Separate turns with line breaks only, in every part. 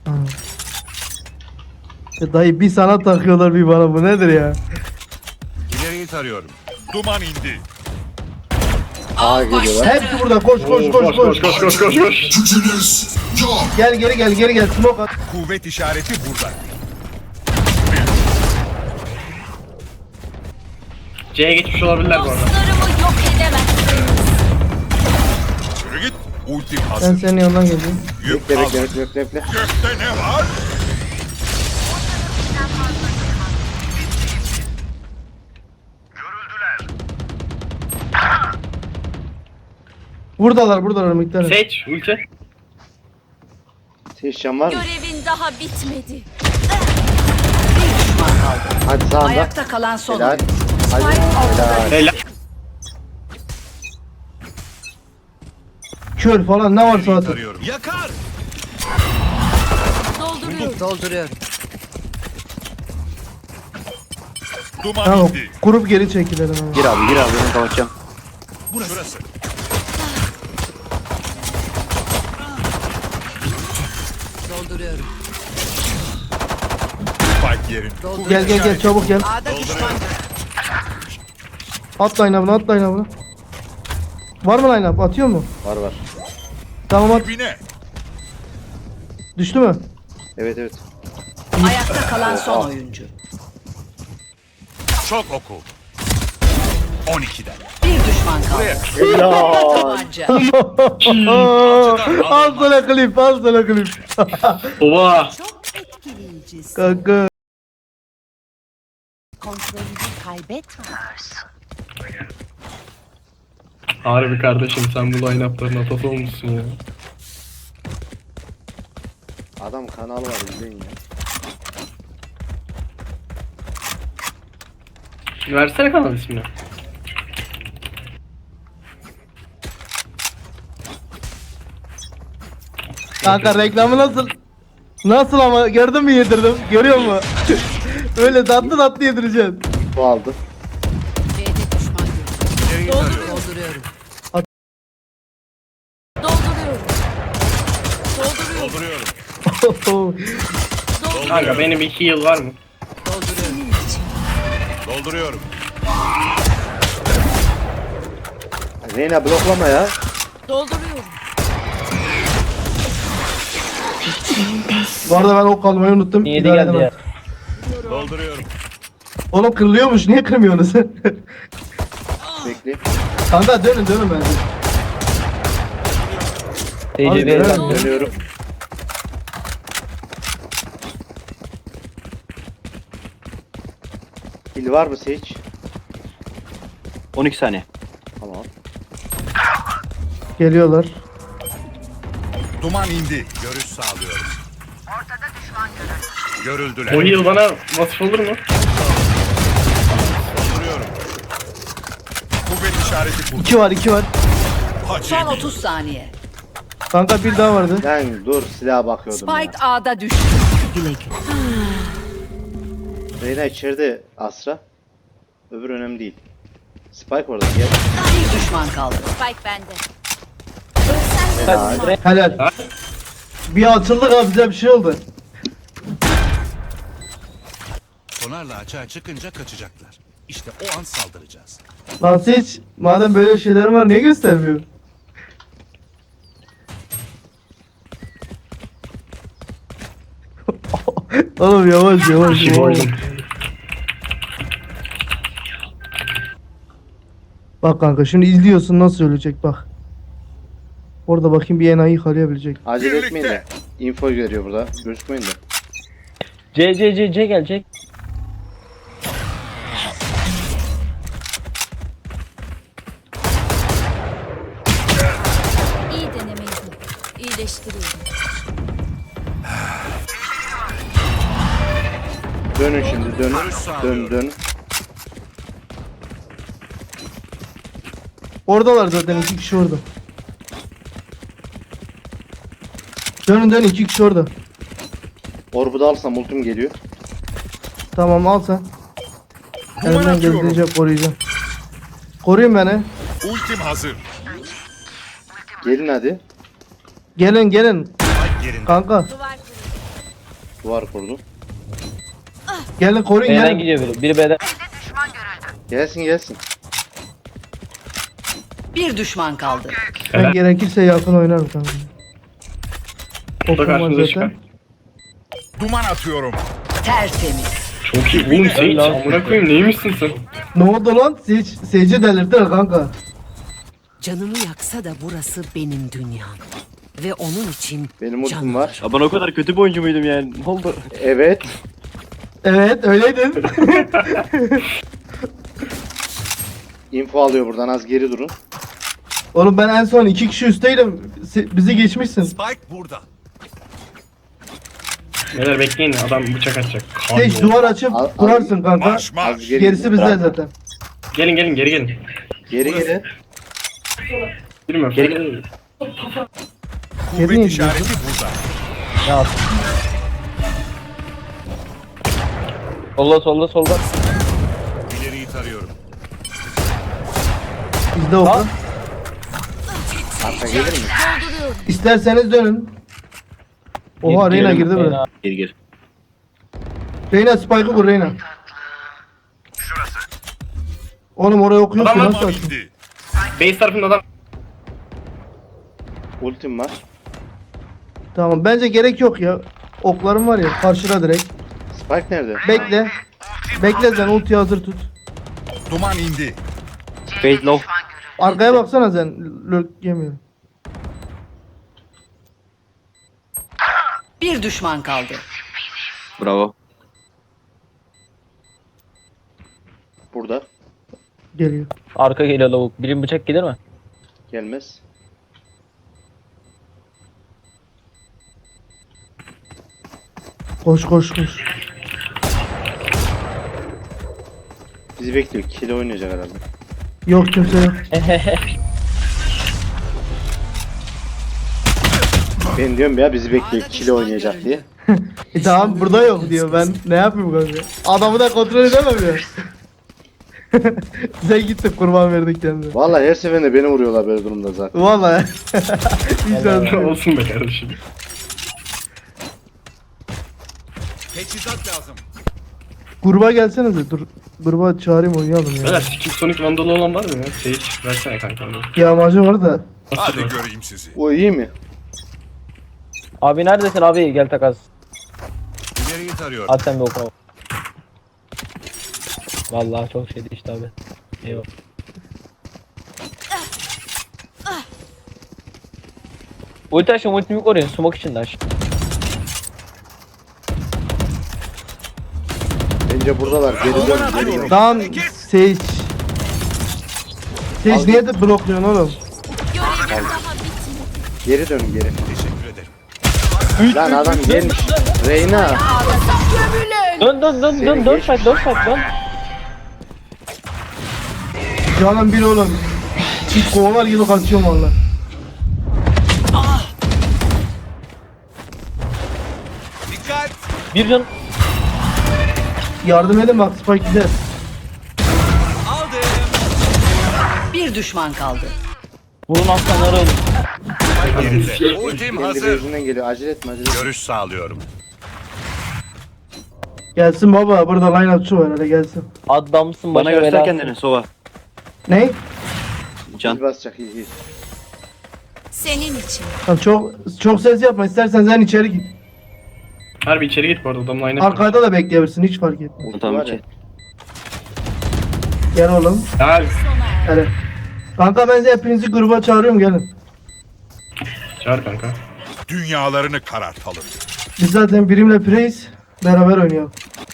Dayı bir sana takıyorlar bir bana, bu nedir ya?
İleriyi tarıyorum. Duman indi.
A geliyorlar.
Hepsi burada, koş.
Gücünüz yok.
Gel geri smoke at.
Kuvvet işareti burada.
C'ye geçmiş olabilirler bu arada.
Dostlarımı yok edemezsiniz.
Yürü git. Ultim
Ben
hazır.
senin yanından geleyim.
Yük
Bekle
hazır.
bekle.
Gökte ne var?
Buradalar miktarı.
Seç ulti.
Teşham var mı?
Görevin daha bitmedi.
Hadi sağında.
Ayakta kalan son
Helal.
oyuncu.
Hadi. Helal.
Helal.
Kör falan ne varsa
İleriyi
atın.
tarıyorum. Yakar.
Dolduruyorum.
Dolduruyorum.
Duman
Tamam,
indi.
kurup geri çekilelim ama.
Gir abi ben kapatacağım.
Burası.
Dolduruyorum.
Spike yerin. Kuvvet
Gel
işareti.
çabuk gel.
A'da düşman.
At line-up'ını. Var mı line-up? Atıyor mu?
Var.
Tamam at.
Dibine.
Düştü mü?
Evet.
Ayakta kalan son oyuncu.
Çok oku. 12'den.
Bir düşman kaldı.
Helal.
Tabanca.
Al sana klip.
Oba.
Çok etkileyici.
Kanka.
Kontrolünü kaybetme.
Harbi kardeşim sen bu line-up'ların atası olmuşsun ya.
Adam kanalı var izleyin ya.
Versene kanal ismini.
Kanka reklamı nasıl? Nasıl ama, gördün mü yedirdim? Görüyor musun? Öyle tatlı yedireceğim.
Bu aldı.
B'de düşman görüldü.
İleriyi tarıyorum.
Dolduruyorum.
Dolduruyorum.
Dolduruyorum.
Kanka benim 2 yıl var mı?
Dolduruyorum.
Dolduruyorum.
Reyna bloklama ya.
Dolduruyorum.
Bu arada ben ok almayı unuttum.
Yedi
İdare
geldi
edemem.
ya.
Dolduruyorum.
Oğlum kırılıyormuş, niye kırmıyorsunuz?
Bekle.
Kanka dönün bence. Abi, dönün.
Dönüyorum. Pil var mı Seç?
12 saniye.
Tamam.
Geliyorlar.
Duman indi. Görüş sağlıyorum. Görüldüler.
O yıl bana vasıf olur mu?
Dolduruyorum. Kuvvet işareti burada.
2 var.
Son
Hacı.
30 saniye.
Kanka bir daha vardı.
Ben dur silaha bakıyordum
Spike A'da düştü. Güle güle.
ya. Reyna içeride Asra. Öbür önemli değil. Spike orada gel.
Bir düşman kaldı.
Spike bende.
Helal.
Helal. Bir açıldık abi, bize bir şey oldu.
Sonarla açığa çıkınca kaçacaklar. İşte o an saldıracağız.
Lan hiç madem böyle şeyler var niye göstermiyor? Oğlum yavaş. Bak kanka şimdi izliyorsun nasıl ölecek bak. Orada bakayım bir enayi yıkalayabilecek.
Acele
Birlikte.
etmeyin de. Info veriyor burada. Gözükmeyin de.
C gelecek.
İyi denemeydi. İyileştiriyorum.
Dönün şimdi dönün.
Oradalar zaten, 2 kişi orada. Dönün 2 kişi orada.
Orbu da alsam ultim geliyor.
Tamam al sen.
Duman
Elimden
atıyorum.
geldiğince koruyacağım. Koruyun beni.
Ultim hazır.
Gelin hadi.
Gelin.
Spike yerinde.
Kanka.
Duvar kırıldı.
Duvar kurdu.
Gelin koruyun
B'den
gelin.
gidiyor biri. Biri B'den.
Gelsin gelsin.
Bir düşman kaldı.
Ben gerekirse yakın oynarım kanka.
O da
Okum var
karşımıza çıkar.
zaten.
Duman atıyorum.
Tertemiz.
Çok iyi oğlum sen hiç amına koyayım neymişsin sen?
Ne oldu lan? Seyirci delirttiler kanka.
Canımı yaksa da burası benim dünyam. Ve onun için
Benim ultim
canım
var.
Ya ben o kadar kötü bir oyuncu muydum yani? Ne oldu?
Evet.
Evet öyleydin.
Info alıyor buradan, az geri durun.
Oğlum ben en son 2 kişi üstteydim. Bizi geçmişsin.
Spike burada.
Beyler bekleyin adam bıçak atacak.
Seyirci duvar açıp
Al-
kurarsın kanka.
Marş marş.
Az geri
Gerisi bizde zaten.
Gelin gelin geri gelin.
Geri geri.
Bilmiyorum.
Geri-
Geri...
Kuvvet
Geri
işareti burada.
Solda.
İleriyi tarıyorum.
Bizde oku.
Arka gelir mi?
Dolduruyorum.
İsterseniz dönün. Oha Reyna girdi böyle.
Gir.
Reyna spike'ı vur Reyna. Oğlum oraya okuyorsun
Adam var.
nasıl açsın?
İndi.
Base tarafında adam.
Ultim var.
Tamam bence gerek yok ya. Oklarım var ya karşıda direkt.
Spike nerede?
Bekle. Bekle sen ultiyi hazır tut.
Duman indi.
Fade low.
Arkaya baksana sen. Lurk yemiyor.
bir düşman kaldı.
Bravo.
Burada.
Geliyor.
Arka geliyor lavuk. Birim bıçak gelir mi?
Gelmez.
Koş.
Bizi bekliyor. Kill oynayacak herhalde.
Yok kimse yok.
Ben diyorum ya, bizi bekliyor. Kill oynayacak diye.
Tamam burada yok diyor. Ben ne yapayım kanka? Adamı da kontrol edemem ya. Sen gittin kurban verdik kendine.
Vallahi her seferinde beni vuruyorlar böyle durumda zaten.
Vallahi. Hiç şans yok.
Olsun be kardeşim.
Teçhizat lazım.
Gruba gelsenize dur. Gruba çağırayım oynayalım ya.
Beyler Skip Sonic Vandalı olan var mı ya? Sage versene kanka onu.
Yağmacı var da.
Hadi göreyim sizi.
O iyi mi?
Abi neredesin abi? Gel takas.
İleriyi tarıyorum.
At sen bir okuna. Vallahi çok şeydi işte abi. Eyvah. Ulti aşın ultimi koruyun. Smoke içinde aş.
Bence buradalar. Geri dön. Geri dön.
Tamam Sage. Sage niye de blokluyorsun oğlum?
Görevim daha bitmedi.
Geri dön geri.
Teşekkür ederim.
Lan adam gelmiş. Reyna.
Dön fight dön.
Canım bir oğlum. Çift kovalar gibi kaçıyorum valla.
Dikkat.
Bir can.
Yardım edin bak Spike gider.
Aldım.
Bir düşman kaldı.
Vurun aslanları ölün.
Yerinde. Ultim
Kendi
hazır.
gözünden geliyor. Acele etme acele etme.
Görüş sağlıyorum.
Gelsin baba burada line upçu var hadi gelsin.
Adamsın
Bana
başa
göster
belası.
kendini Sova.
Ne?
Can.
Biz basacak iyi.
Senin için.
Tamam, çok ses yapma istersen sen içeri git.
Harbi içeri git bu arada adamla aynı.
Arkada da bekleyebilirsin hiç fark etmez.
Ulti
Tamam
var ya.
içeri.
Gel oğlum.
Ya
Hadi. Kanka ben size hepinizi gruba çağırıyorum gelin.
çağır kanka.
Dünyalarını karartalım.
Biz zaten birimle preyiz. Beraber oynayalım.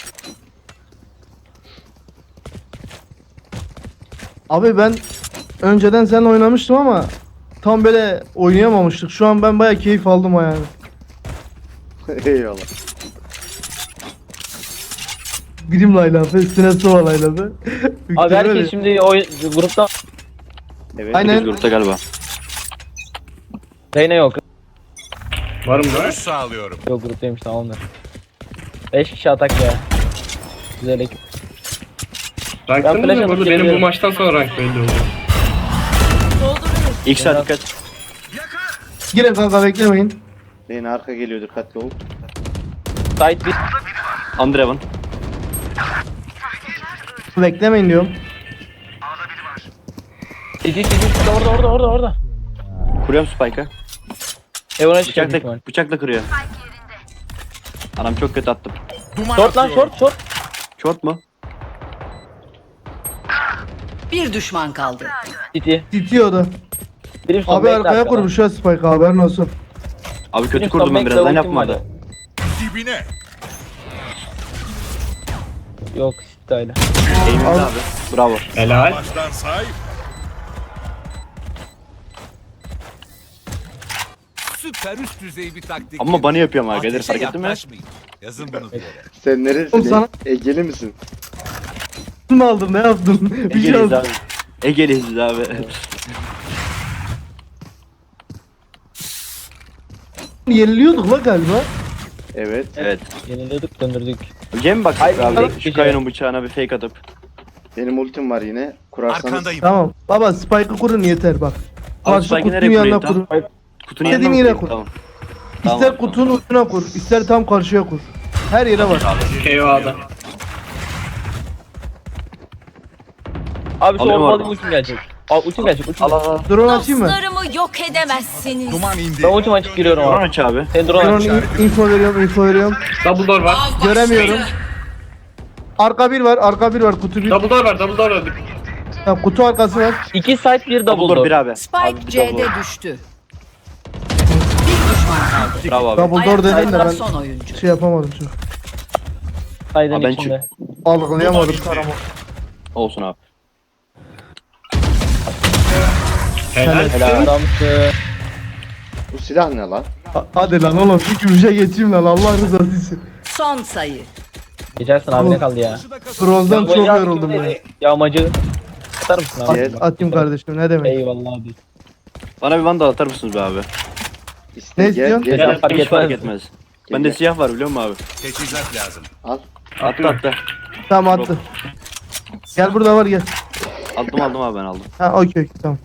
Abi ben önceden seninle oynamıştım ama tam böyle oynayamamıştık. Şu an ben baya keyif aldım yani.
Eyvallah.
Birim laylafı, üstüne sova laylafı.
Abi herkes şimdi o grupta
Evet.
Aynen.
Biz grupta galiba.
Reyna yok.
Varım da.
Görüş sağlıyorum.
Yok gruptaymış tamamdır. 5 kişi atak ya. Güzel ekip.
Ranktan
flash
mı?
atıp
Burada benim bu
geliyorum.
maçtan sonra rank belli oluyor.
Dolduruyorum.
İlk saat dikkat.
Girin kanka beklemeyin.
Reyna arka geliyor, dikkatli ol.
Side 1.
Andrevan.
Beklemeyin diyorum.
City orada.
Kuruyorum Spike'ı.
Evan'a çıkacak büyük ihtimal.
Bıçakla kırıyor. Anam çok kötü attım.
Short lan short.
Short mu?
Bir düşman kaldı.
City.
Titiyor da.
Birim son
Abi
bekle
arkaya
arkadan.
kurmuş ya Spike, haberin olsun.
Abi kötü
Birim
kurdum
son
ben
bekle,
birazdan
ultim
yapmadı.
vardı.
Dibine.
Yok City hala.
Eğimimde abi. Bravo.
Helal.
Baştan say. Süper üst düzey bir taktik.
Ama bana yapıyorum
Ateşe
arkadaşlar, fark ettin mi?
yaklaşmayın. Yazın bunu bir yere.
Sen neresin?
Oğlum sana-
Egeli misin?
Ne aldın, ne yaptın? Bir şey
Egeliyiz
aldın.
abi. Egeliyiz abi.
Yeniliyorduk la galiba.
Evet.
Evet.
Yeniliyorduk döndürdük.
Cem bak
Hayır,
abi
hayır.
şu kayanın bıçağına bir fake atıp.
Benim ultim var yine. Kurarsanız.
Arkandayım.
Tamam. Baba Spike'ı kurun yeter bak.
Abi
Karşı
Spike'ı
kutunun
nereye
yanına
kurayım
kur.
tam? Kutunun
İstediğin
yanına mı
yere
kurayım?
kur.
Tamam.
İster
Tamam.
kutunun ucuna kur, ister tam karşıya kur. Her yere var.
KO'da.
Abi şu
Alıyorum
ormalı
oradan.
ultim gelecek. Ultim gelecek.
Al al al.
Drone açayım mı?
Dostlarımı yok edemezsiniz.
Duman indi.
Ben ultim açıp giriyorum
Drone
abi.
aç abi.
Sen drone aç.
Drone info veriyorum.
Double door var.
Göremiyorum. Arka bir var, kutu bir.
Double door var.
Ya, kutu arkası var.
2 side 1 double
Double door bir
door.
abi. Abi
Spike
bir
C'de
double door.
düştü. Bir düşman kaldı.
Bravo abi.
Double door dedim de
Ayakta
ben
son oyuncu.
şey yapamadım çok.
Side'ın
Abi ben
içinde.
Algılayamadım karama.
Olsun abi.
Helal.
Helal.
Adamsı.
Bu silah ne lan?
Hadi lan oğlum şu gümüşe geçeyim lan, Allah rızası için.
Son sayı.
Geçersin abi ne kaldı ya?
Bronzdan çok
Yağmacı
yoruldum
kimdeydi?
ben.
Yağmacı. Atar mısın abi?
Gel.
Atayım kardeşim, ne demek.
Eyvallah abi.
Bana bir vandal atar mısınız be abi?
İste,
Ne
gel,
istiyorsun?
gel,
Ya,
gel.
fark
Hiç
etmez.
fark etmez. Bende
gel.
siyah var biliyor musun abi?
Teçhizat lazım.
Al.
Attı.
Tamam attı. Gel burada var, gel.
Aldım abi ben aldım.
Ha okey tamam.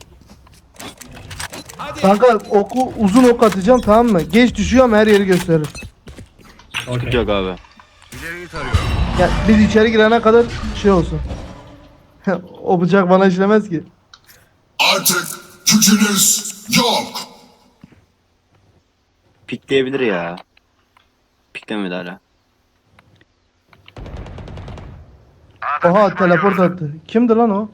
Kanka uzun ok atacağım, tamam mı? Geç düşüyor ama her yeri gösterir.
Sıkıntı yok abi.
İleriyi tarıyorum.
Ya biz içeri girene kadar şey olsun. O bıçak bana işlemez ki.
Artık gücünüz yok.
Pikleyebilir ya. Piklemedi hala.
Oha teleport attı. Kimdi lan o?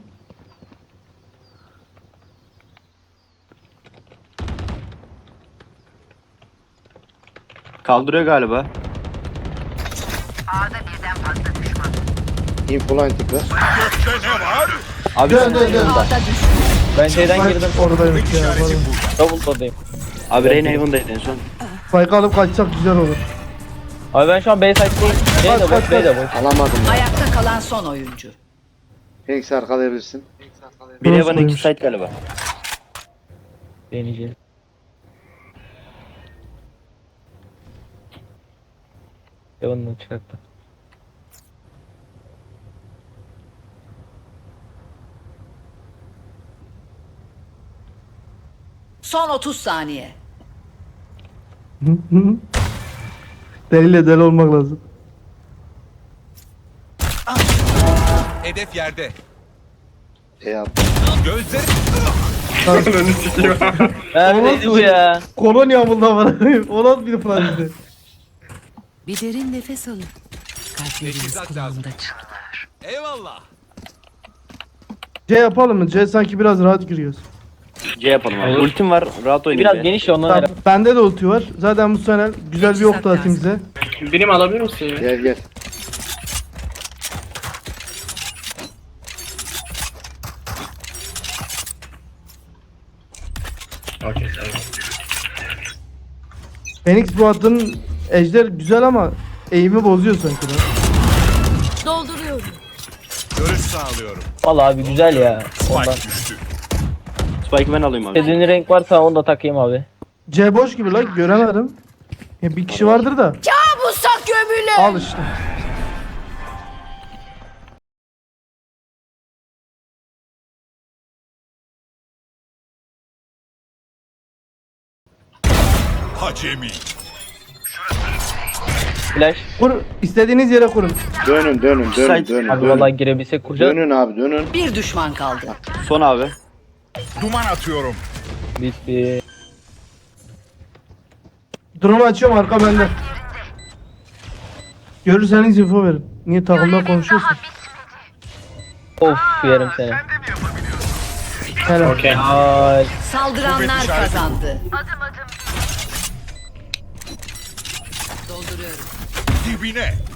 Kaldırıyor galiba.
Infoline tıkla.
Gökte ne var?
Abi
Dön dön dön.
A'da düştü.
Ben şeyden girdim.
Oradaymış ya. pardon.
Double door'dayım.
Abi Rain Haven'daydı en son.
Spike alıp kaçsak güzel olur.
Abi ben şu an B side'deyim. B de boş, B de boş.
Alamadım ya.
Ayakta kalan son oyuncu.
Phoenix arkalayabilirsin.
Bir
Burası
Haven 2
koymuş.
site galiba.
Deneyeceğiz. Yavanını çıkarttı.
Son 30 saniye.
Deliyle deli olmak lazım.
Hedef yerde.
attım.
Gözleri
Önünü sikiyor.
Neydi bu ya?
Kolonya bundan var. O nasıl bir planıydı?
Bir derin nefes alın. Kalpleriniz
Teçhizat lazım.
kulağımda çınlar.
Eyvallah.
C yapalım mı? C sanki biraz rahat giriyoruz.
C yapalım abi.
Olur.
Ultim var. Rahat oynayın.
Biraz geniş ya ondan
Tamam,
herhalde.
bende de ulti var. Zaten bu sene güzel bir ok da atayım size.
Birim alabilir misin ya?
Gel gel.
Okey eyvallah.
Phoenix bu attığın ejder güzel ama eğimi bozuyor sanki lan.
Dolduruyorum.
Görüş sağlıyorum.
Vallahi abi güzel ya. Ondan.
Spike düştü.
Spike'ı ben alayım abi.
İstediğin renk varsa onu da takayım abi.
C boş gibi lan, göremedim. Ya bir kişi vardır da.
Kabusa gömülü.
Al işte.
Hacemi.
Flash.
Kur, istediğiniz yere kurun.
Dönün dönün dönün dönün.
Abi
dönün.
vallahi girebilsek kuracağız.
Dönün abi dönün.
Bir düşman kaldı.
Son abi.
Duman atıyorum.
Bitti.
Drone açıyorum, arka bende. Görürseniz info verin. Niye takımda konuşuyorsun?
Of yerim seni.
Helal.
Okey.
Ay.
Saldıranlar kazandı.
Dibine.